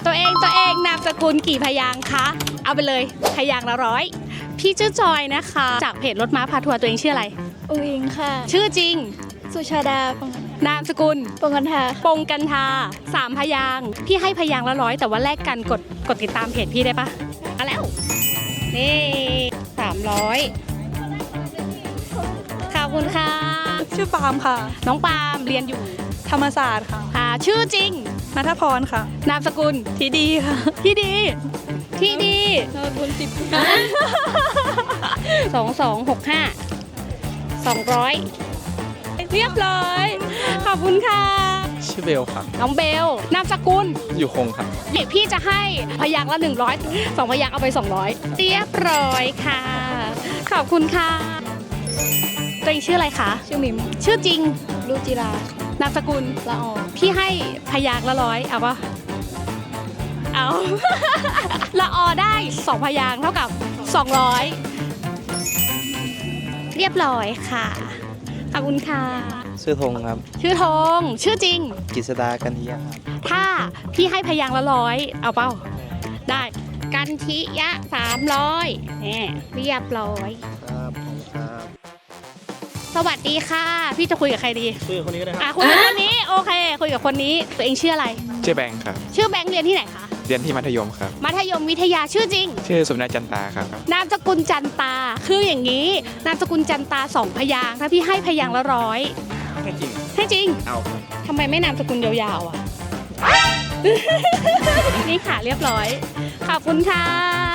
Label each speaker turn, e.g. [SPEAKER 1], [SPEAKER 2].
[SPEAKER 1] ตัวเองนามสกุลกี่พยางค์คะเอาไปเลยพยางค์ละร้อยพี่ชื่อจอยนะคะจากเพจรถม้าพาทัวร์ตัวเองชื่ออะไร
[SPEAKER 2] อุ๋งอิงค่ะ
[SPEAKER 1] ชื่อจริง
[SPEAKER 2] สุชาดา
[SPEAKER 1] นามสกุล
[SPEAKER 2] ปงกันทา
[SPEAKER 1] ปงกันทา3 พยางค์พี่ให้พยางค์ละร้อยแต่ว่าแลกกันกดติดตามเพจพี่ได้ปะเอาแล้วนี่300ขอบคุณค่ะ
[SPEAKER 2] ชื่อปาล์มค่ะ
[SPEAKER 1] น้องปาล์มเรียนอยู่
[SPEAKER 2] ธรรมศาสตร์ค่ะ
[SPEAKER 1] ชื่อจริง
[SPEAKER 2] นัทพรค่ะ
[SPEAKER 1] นามสกุล
[SPEAKER 2] ทีดีค่ะ
[SPEAKER 1] ที่ดีที่ดี
[SPEAKER 2] นามสกุล10
[SPEAKER 1] 2265 200เรียบร้อยขอบคุณค่ะ
[SPEAKER 3] ชื่อเบลครับ
[SPEAKER 1] น้องเบลนามสกุล
[SPEAKER 3] อยู่คงครับ
[SPEAKER 1] พี่จะให้พยางค์ละ100 2 พยางค์เอาไป200เรียบร้อยค่ะขอบคุณค่ะตัวเองชื่ออะไรคะ
[SPEAKER 2] ชื่อมิม
[SPEAKER 1] ชื่อจริง
[SPEAKER 2] ลูกจิราน
[SPEAKER 1] ามสกุล
[SPEAKER 2] ละออ
[SPEAKER 1] พี่ให้พยางค์ละ100เอาปะเอา ละออได้2 พยางค์เท่ากับ200เรียบร้อยค่ะขอบคุณค่ะ
[SPEAKER 3] ชื่อธงครับ
[SPEAKER 1] ชื่อธงชื่อจริง
[SPEAKER 3] กิษดากันทิยะครับ
[SPEAKER 1] ถ้าพี่ให้พยางค์ละ100เอาเปล่าได้กันทิยะ300นี่เรียบร้อย
[SPEAKER 3] ครับผมครับ
[SPEAKER 1] สวัสดีค่ะ พี่จะคุยกับใครดี
[SPEAKER 3] ชื่อคนนี้ก็ได้ครับ
[SPEAKER 1] คุยกับคนนี้โอเค คุยกับคนนี้ตัวเองชื่ออะไร
[SPEAKER 4] ชื่อแบงค์ครับ
[SPEAKER 1] ชื่อแบงค์เรียนที่ไหนคะ
[SPEAKER 4] เรียนที่มัธยมครับ
[SPEAKER 1] มัธยมวิทยาชื่อจริง
[SPEAKER 4] ชื่อสมนาจันตาครับ
[SPEAKER 1] นามสกุลจันตาคืออย่างนี้ นามสกุลจันตา2 พยางค์ถ้าพี่ให้พยางค์ละ100
[SPEAKER 4] แค่จริง
[SPEAKER 1] ให้จริง
[SPEAKER 4] เอาครับ
[SPEAKER 1] ทำไมไม่นามสกุลยาวๆอ่ะ นี่ค่ะเรียบร้อยขอบคุณค่ะ